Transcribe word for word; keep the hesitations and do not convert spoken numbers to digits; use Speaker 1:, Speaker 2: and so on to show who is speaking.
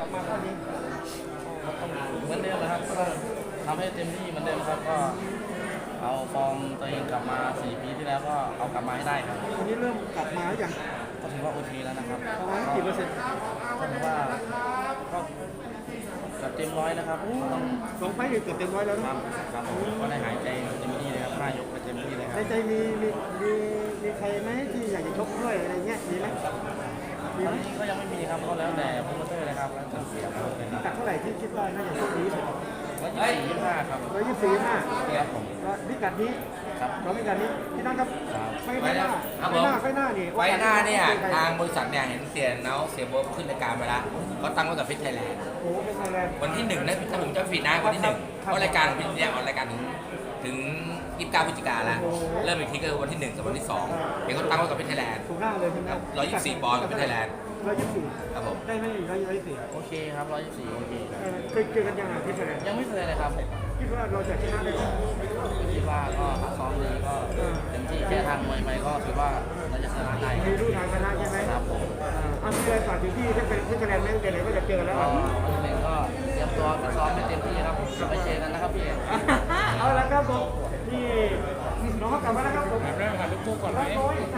Speaker 1: ลับมาเท่านี้
Speaker 2: เหมือนเดิมนะครับก็ทำให้เต็มที่เหมือนเดิมครับก็เอาฟอร์มตัวเองกลับมาสี่ปีที่แล้วก็เอากลับมาให้ได้ครับ
Speaker 1: วันนี้เริ่มกลับมาหรือยัง
Speaker 2: ก็ถือว่าโอเคแล้วนะครับ
Speaker 1: ประมาณกี่เปอร์เซ็นต์
Speaker 2: ก็ถือว่าก็เกือบเต็มร้อยนะครับต้อง
Speaker 1: สองไฟล์เกือบเต็มร้อยแล้ว
Speaker 2: ค
Speaker 1: นะ
Speaker 2: รับครับผมก็ได้หายใจเต็มที่เลยครับห้ายกไปเต็มที่เลยค
Speaker 1: ใน
Speaker 2: รับ
Speaker 1: ใจมีมีมีมีใครไหมที่อยากจะชกด้วยอะไรเงี้ยมีไหมมี
Speaker 2: ตอ
Speaker 1: ไห
Speaker 2: น
Speaker 1: ม
Speaker 2: นี้ก็ยังไม่มีครับก็แล้วแต่โปรโมเตอร์เลยครับแล้วแต่เสียครับ
Speaker 1: พิกัดเท่าไหร่ที่คิดว่าน่าจะโชคดีที่สุด
Speaker 2: ร้อยยี่สิบสี่ยี่สิบห้าครับ
Speaker 1: ร้อยยี่สิบสี่ห้า
Speaker 2: ครับผม
Speaker 1: พิกัดนี้
Speaker 2: ครับ
Speaker 1: เราพิกัดนี้พี่นั่นครับ
Speaker 2: ครับ
Speaker 1: ไฟหน้าไฟหน้าไฟหน้านี่
Speaker 3: ไว้หน้าเนี่ยทางบริษัทเนี่ยเห็นเสียเนาเสียโบ๊ทขึ้นรายการไปแล้วเขาตั้งไว้กับฟิตไทยแลนด์
Speaker 1: โอ้โหเป็นไงแลนด์
Speaker 3: วันที่หนึ่งนะถ้าผมจำไม่ผิดนะวันที่หนึ่งเพราะรายการของพี่เนี่ยออกรายการถึงถึงยี่สิบเก้าพฤศจิกาแล้วเริ่มอีกทีก็คือวันที่หนึ่งกับวันที่สองเห็นเขาตั้งไว้กับฟิตไทยแลนด์
Speaker 1: ถูกหน้าเลยใช่ไหม
Speaker 3: ร้อยยี่สิบสี่ปอนด์กับฟิตไทยแลนด์
Speaker 1: ร้อยยี่สิบสี่
Speaker 3: ครับผม
Speaker 1: ได้ไหมร้อยยี่สิบสี่
Speaker 2: โอเคครับร้อยยี่สิบสี่โอเค
Speaker 1: เออเคยเจอกันยังไงที่ไทยแลนด์
Speaker 2: ยังไม่เคยเลยครับ
Speaker 1: คิดว่าเราจะชนะได้ไหม
Speaker 2: คิดว่าก็ซ้อมดีก็เต็มที่แค่ทางมวยไปก็ถือว่าเราจะชนะได้
Speaker 1: มีรู้ทางชนะใช่ไหม
Speaker 2: ครับผม
Speaker 1: อ่ามีอะไรฝากถึงที่ที่เป็นที่คะแนนไหมเดี๋ยวไหนก็จะเจอกันแล้ว
Speaker 2: ก็วันหนึ่งก็เตรียมตัวไปซ้อมให้เต็มที่ครับไปเจอกันนะครับพี่
Speaker 1: เอาละครับผมนี่น้องเขากลับมาแล้วครับผม
Speaker 4: เริ่มหาลูกคู่ก่อนไหม